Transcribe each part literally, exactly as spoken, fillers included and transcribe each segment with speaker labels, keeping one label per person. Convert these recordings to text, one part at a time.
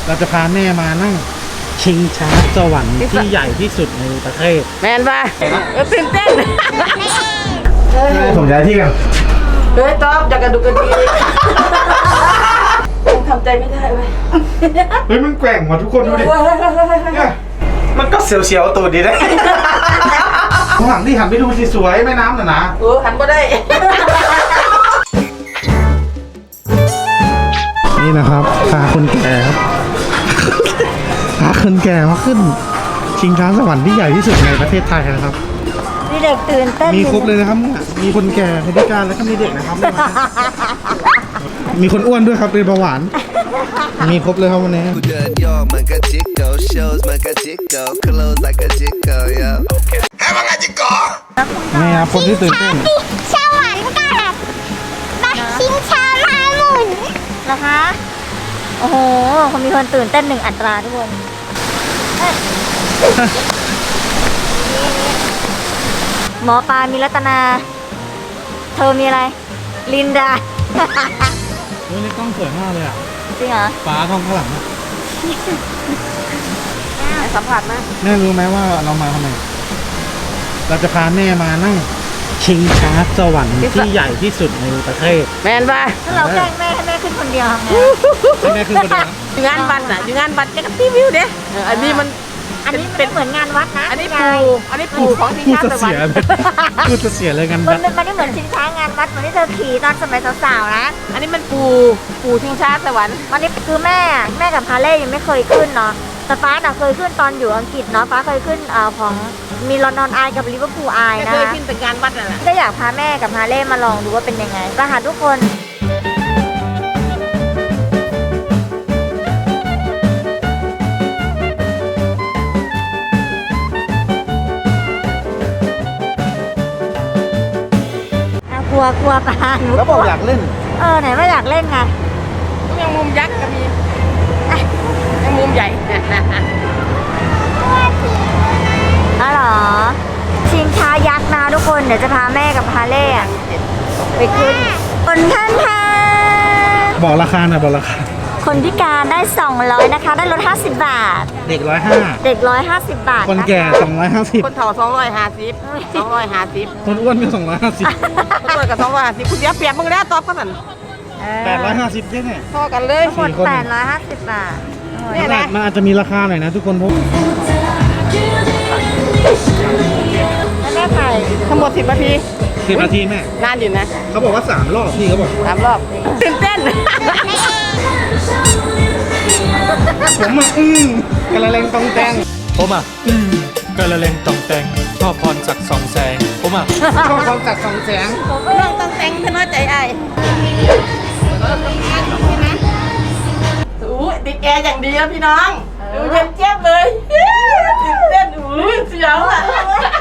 Speaker 1: เราจะพาแม่มานั่งชิงช้าสวรรค์ที่ใหญ่ที่สุดในประเทศ
Speaker 2: แมนป่ะเออตื่นเต้น
Speaker 1: ผมย้ายที่กัน
Speaker 2: เฮ้ยต๊อบอยากกระดูกกระดียังทำใจไม่ได้เว้ย
Speaker 1: เฮ้ยมันแกว่งมาทุกคนดูดิมันก็เสียวๆตัวดีได้ข้างหลังที่หันไปดูสิสวยแม่น้ำน่ะนะ
Speaker 2: เออหันก็ได้
Speaker 1: นี่นะครับพาคนแก่ครับพาคนแก่มาขึ้นชิงช้าสวรรค์ที่ใหญ่ที่สุดในประเทศไทยนะครับ
Speaker 3: มีเด็กตื่นเต้น
Speaker 1: มีครบเลยนะครับมีคนแก่คนพิการแล้วก็มีเด็กนะครับมีคนอ้วนด้วยครับเป็นเบาหวานมีครบเลยครับวันนี้นี่ครับคนที่ตื่นเต้น
Speaker 3: สวรรค์กับมาชิงช้าม้าหมุนนะคะโอ้โหคนมีคนตื่นเต้นหนึ่งอัตราทุกคนหมอปลามีรัตนาเธอมีอะไรลินดา
Speaker 1: เฮ้ยในกล้องสวยมากเลยอ่ะ
Speaker 3: จริงเหรอ
Speaker 1: ฟ้ากล้องข้างหลัง
Speaker 2: สัมผัสนะ
Speaker 1: แม่รู้ไหมว่าเรามาทำไมเราจะพาแม่มานั่งชิงช้าสวรรค์ที่ใหญ่ที่สุดในประเทศ
Speaker 2: แมนป่ะ
Speaker 3: ถ้าเราแกล้งแม่ให้แม่ขึ้นคนเดียว
Speaker 1: ทำไงให้แม่ขึ้นคนเดียว
Speaker 2: อยู่งานบัตรน่ะอยู่งานบัตรแกก็รีวิวเด้อันนี้มัน
Speaker 3: อันนี้เป็นเหมือนงานวัดนะ
Speaker 2: อันนี้ปูอันนี้ปูของชิงช้าสวรรค์
Speaker 1: พูดจะเสียเลยกัน
Speaker 3: มันมันไม่เหมือนชิงช้างานวัดเหมือนที่เธอขี่ตอนสมัยสาวๆนะ
Speaker 2: อันนี้มันปูปูชิงช้าสวรรค์
Speaker 3: วันนี้คือแม่แม่กับฮาเล่ยังไม่เคยขึ้นเนาะแต่ฟ้าน่ะเคยขึ้นตอนอยู่อังกฤษเนาะฟ้าเคยขึ้นเอ่อของมีลอนดอนไอกับลิเวอร์พูลไอนะ
Speaker 2: เคยขึ้นแต่งานวัดน่ะ
Speaker 3: ก็อยากพาแม่กับฮาเล่มาลองดูว่าเป็นยังไงไปหาทุกคนกลัวกลัวปลาหนู
Speaker 1: แล้วบอกอยากเล่น
Speaker 3: เออไหนว่าอยากเล่นไง
Speaker 2: ยังมุมยักษ์ก็มียังมุมใหญ่
Speaker 3: อ๋อเหรอชิงช้ายักษ์นะทุกคนเดี๋ยวจะพาแม่กับฮาเล่ไปขึ้นคนท่านท่า
Speaker 1: บอกราคาหน่อยบอกราคา
Speaker 3: คนพิการได้สองร้อยนะคะได้ลดห้าสิบบาท
Speaker 1: เด็กร้อยห้า
Speaker 3: เด็กร้อยห้าสิบบาท
Speaker 1: คนแก่สองร้อยห้าสิบ
Speaker 2: คนเฒ่าสองร้อยห้าสิบสองร้อยห้าสิบ
Speaker 1: คนอ้วนก็สองร้อยห้าสิบ
Speaker 2: คนอ้วนก็สองร้อยห้าสิบคุณเดียวเปรียบมึงแล้วตอบกัน
Speaker 1: แปดร้อยห้าสิบได้ไง
Speaker 2: พอกันเลย
Speaker 3: คนแปดร้อยห้าสิบบาท
Speaker 1: นี่แหละมันอาจจะมีราคาหน่อยนะทุกคนพบ
Speaker 3: แม่ไข่
Speaker 2: ทั้งหมดสิบนาที
Speaker 1: สิบนาทีแม่
Speaker 2: นานอยู่นะ
Speaker 1: เขาบอกว่าสามรอบพี่เขาบอก
Speaker 2: สามรอบตื่นเต้น
Speaker 1: ผมอ่ะอืมกระเลงตองแตง
Speaker 4: ผมอ่ะอืมกระเลงตองแตงชอบพรศักดิ์สองแสงผมอ่ะ
Speaker 1: ชอบพรศักดิ์สองแสง
Speaker 2: เรื่องตองแตงทะน้อยใจไอ้อู้ติดแอร์อย่างดีแล้วพี่น้องดูเย็นเจี๊ยบเลยตื่นเต้นอู้เสียวอ่ะ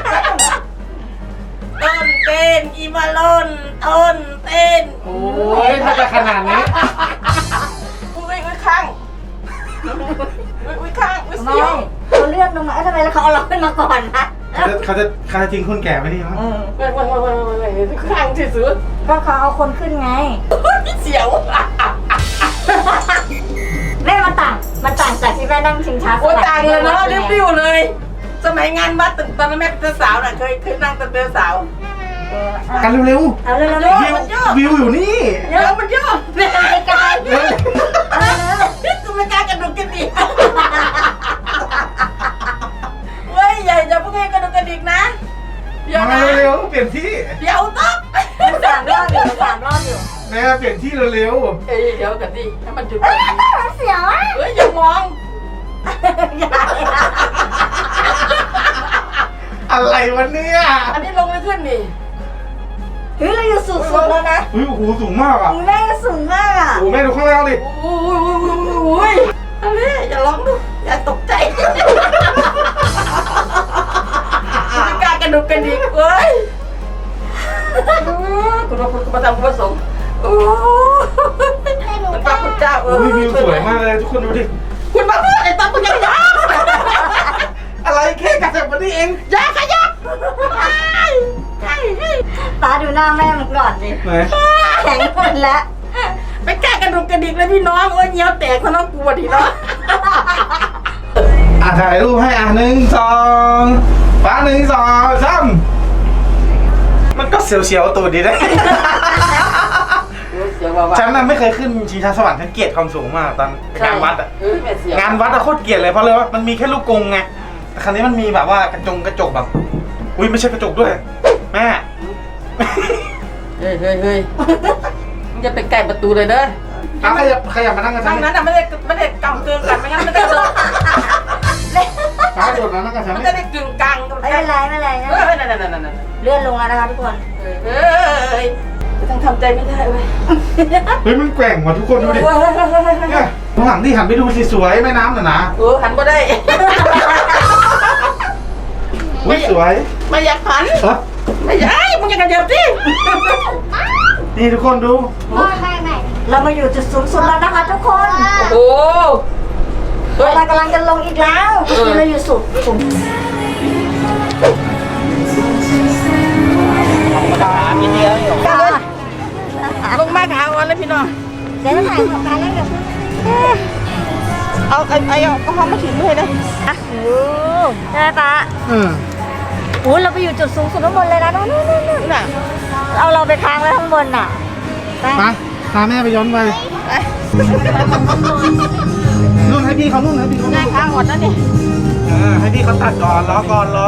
Speaker 2: ต้นเต้นอีมาลอนต้นเต้น
Speaker 1: โอ้ยถ้าจะขนาดนี้
Speaker 2: อุ้ยอุ้ยข้างอุ้ยอุ้ยข้างอุ้ยเสียว
Speaker 3: เขาเลือกลงมาทำไมแล้วเขาเอาเราขึ้นมาก่อนนะ
Speaker 1: เขาจะเขาจะเขาจะทิ้งคนแก่ไว้นี่มั้ง
Speaker 2: เว้ยเว้ยเว้ยเว้ยเว้ยข้างที่สุด
Speaker 3: ก็เขาเอาคนขึ้นไง
Speaker 2: เสียว
Speaker 3: แม่มันต่างมันต่างจากที่แม่นั่งชิงช้า
Speaker 2: โอ้ต่างเลยเนาะเรียบริ้วเลยสมัยงานวัดตอนนั้นแม่เป็นสาวน่ะเคยเคยนั่งตอนเป็นสาว
Speaker 1: กันเร็ว
Speaker 3: ๆเอาเร็ว
Speaker 1: ๆวิวอยู่นี่
Speaker 2: เดี๋ยวมันย่อ
Speaker 3: เป็นอะไรกัน
Speaker 2: กูไม่กล้ากระดูกกระดิกเว้ยใหญ่จะพวกนี้กระดูกกระดิกนะ
Speaker 1: เดี๋ยวนะเร็วๆเปลี่ยนที่
Speaker 2: เดี๋ยวต๊อบ
Speaker 3: สามรอบอยู่สามรอบอยู่
Speaker 1: แม่เปลี่ยนที่เร็ว
Speaker 2: ๆเอ้ยเดี๋ยวกันดิให้มันจุด
Speaker 3: เสียวอ่ะ
Speaker 2: เฮ้ยอย่ามอง
Speaker 1: อะไรวะเนี่ย
Speaker 2: อันนี้ลงไม่ขึ้นนี่
Speaker 3: เฮ้ยเราอยู่สูงสุดแล้วนะ
Speaker 1: เฮ้ยโอ้โหสูงมากอ่ะ
Speaker 3: แม่สูงมากอ่ะ
Speaker 1: โอ้แม่ดูข้างล่างดิ
Speaker 2: โอ้ยโอ้ยโอ้ยอันนี้อย่าร้องดูอย่าตกใจไม่กล้ากระดูกกระดิกเว้ยคุณพระคุณมาทำคุณประสงค์โอ้มันป้าคุณเจ้าเออ
Speaker 1: วิวสวยมากเลยทุกคนดูดิ
Speaker 2: คุณมาพูดไอ้ตาคุณยังยัก
Speaker 1: อะไรแค่กระเจ็บวันนี้เอง
Speaker 2: ยาขยับ
Speaker 3: ตาดูหน้าแม่มันก่อนดิแข็งหมดแล้ว
Speaker 2: ไปแก้กระดูกกระดิกเลยพี่น้องโอ้ยเงี้ยวแตกซะน้องกลัวดิเนาะ
Speaker 1: ะถ่ายรูปให้อ่ะหนึ่งสองฟ้าหนึ่งสองสามมันก็เสียวๆตัวดีได้
Speaker 2: เสียวว่า
Speaker 1: ฉันน่ะไม่เคยขึ้นชิงช้าสวรรค์ฉันเกลียดความสูงมากตอนงานวัดอ่ะ
Speaker 2: เออแม่เสียว
Speaker 1: งานวัดอะโคตรเกลียดเลยเพราะเลยว่ามันมีแค่ลูกกรงไงแต่ครั้นี้มันมีแบบว่ากระจงกระจกแบบอุ้ยไม่ใช่กระจกด้วยแม่
Speaker 2: เฮ้ยเฮ้ยเฮ้ยมึงจะไปไก่ประตูเลยเด้อ
Speaker 1: อ่ะขยับขยับมานั่งกันฉั
Speaker 2: ทาน งนั้นอ่ะไม่ได้ไม่ได้กำเกินกันไม่งั้นมันจะโดน
Speaker 1: ฟ้าโดดมานั่งกันฉัน
Speaker 2: มัน
Speaker 1: นี่
Speaker 2: จะได้กึ่งกลางกัน
Speaker 3: ไม่เป็นไรไม่เป็นไร
Speaker 2: เอ
Speaker 3: นะ
Speaker 2: อนั่นนั่นนั่นนั่น
Speaker 3: เลื่อนลงแล้วนะคะทุกคน
Speaker 2: เฮ้ยต้องทำใจไม่ได้เว้ย
Speaker 1: เฮ้ยมันแกว่งว่ะทุกคนดูดิเนี่ยข้างหลังที่หันไปดูสิสวยแม่น้ำน่ะนะ
Speaker 2: เออหันก็ได้
Speaker 1: อุ้ยสวย
Speaker 2: ไม่อยากหัน
Speaker 1: เออ
Speaker 2: ไม่อยากมึงอยากกระเดียบดิ
Speaker 1: นี่ทุกคนดู
Speaker 3: เรามาอยู่จุดสูงสุดแล้วนะคะทุกคน
Speaker 2: โอ้เฮ้ย
Speaker 3: เรากำลังจะลงอีกแล้วเราอยู่สุดสูง
Speaker 2: ลงมาขาวันเลยพี่น้อง
Speaker 3: เดี๋ยวจะถ่ายของการแล้วเดี๋ยว
Speaker 2: เอาไอ้ไอ้เอาก็ห้องมาถึงเลยนะ
Speaker 3: อ่ะโอ้ใช่ไหมป๊า
Speaker 1: เออ
Speaker 3: โอ้เราไปอยู่จุดสูงสุดข้างบนเลยนะนู่นนู่นนู่น
Speaker 2: น่ะ
Speaker 3: เอาเราไปค้างไว้ข้างบนน่ะไป
Speaker 1: มาพาแม่ไปย้อนไปนู่นให้พี่เขานู่นให้พี่เขา
Speaker 2: ได้
Speaker 1: นู่น
Speaker 2: ข้างหมดแล้วนี่
Speaker 1: เออให้พี่เขาตัดก่อนรอก่อนรอ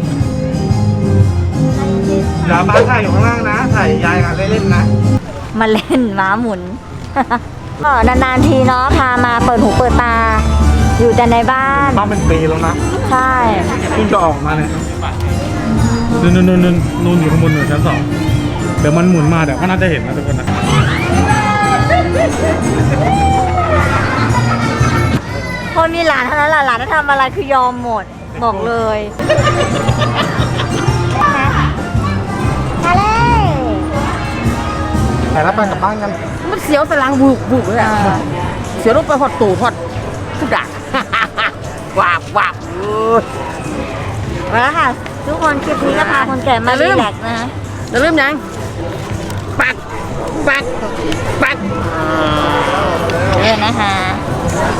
Speaker 1: เดี๋ยวป้าถ่ายอยู่ข้างล่างนะถ่ายยายกันเล่นๆนะ
Speaker 3: มาเล่นม้าหมุน ก็นานๆทีเนาะพามาเปิดหูเปิดตา อยู่แต่ในบ้าน
Speaker 1: บ้านเป็นปีแล้วนะ
Speaker 3: ใช่
Speaker 1: เพิ่งจะออกมาเนี่ยนู่นนู่นนู่นนู่นอยู่ข้างบนหนึ่งชั้นสองเดี๋ยวมันหมุนมาเดี๋ยวก็น่าจะเห็นนะทุกคนนะ
Speaker 3: พอมีหลานเท่านั้นแหละหลานจะทำอะไรคือยอมหมดบอกเลยมาเลย
Speaker 1: ถ่ายแล้วไปกลับบ้านกัน
Speaker 2: มันเสียวสลังบุกบุกเลยอ่ะเสียวลงไปหอดตู่หอดทุกด่างวาบวาบ
Speaker 3: มาแล้วค่ะทุกคนคลิปนี้ก็พาคนแก่มารีแลกซ์นะ
Speaker 2: จะเริ่มยังปักปักปัก
Speaker 3: เออนะคะ